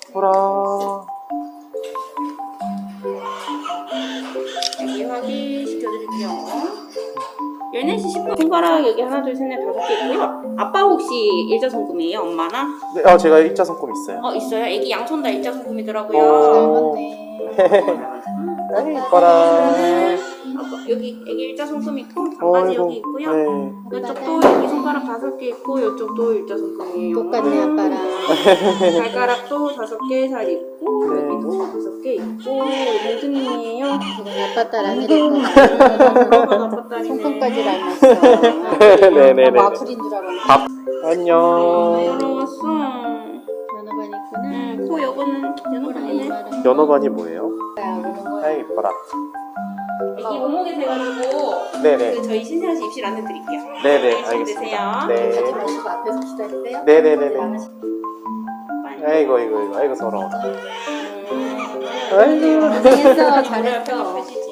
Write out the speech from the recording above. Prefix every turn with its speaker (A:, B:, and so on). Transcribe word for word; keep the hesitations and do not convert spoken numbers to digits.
A: 보라.
B: 여기 확인시켜드릴게요. 열네 시 십 분 손가락 여기 하나 둘 셋 넷 다섯 개 있고요. 아빠 혹시 일자손금이에요? 엄마나?
A: 네, 어, 제가 일자손금 있어요.
B: 어 있어요. 애기 양손 다 일자손금이더라고요.
A: 오. 아이, 이뻐라.
B: 아빠, 여기 애기 일자손금 있고 반바지 여기 있고요.
A: 네.
B: 이쪽도 여기 손가락 다섯 개 있고 이쪽도 일자손금이에요.
C: 똑같네 아빠랑.
B: 발가락도 다섯 개 잘 있고
A: 네.
B: 여기도 다섯 개 있고 몽드님이에요.
C: 아빠 딸 아니랬고
B: 아빠 딸이네.
C: 손금까지 닮았어.
A: 네네네.
C: 뭐 아프린 줄 알았네.
A: 안녕.
B: 부러웠어.
C: 연어반 있구나.
B: 응, 코 요거는 연어반이네.
A: 연어반이 뭐예요?
C: 야,
A: 아이, 이뻐라.
B: 애기 몸무게 재가지고
A: 네네.
B: 그 저희 신세아씨 입실 안내 드릴게요.
A: 네네,
B: 안녕히
A: 알겠습니다.
B: 계세요.
A: 네.
C: 마시고 앞에서 기다리세요.
A: 네네네네.
B: 빨리.
A: 아이고, 아이고, 아이고, 아이고, 서러워.
B: 음.
A: 아이고.
C: 잘했어,
B: 머리
C: 잘했어.
B: 앞에가 펴지지.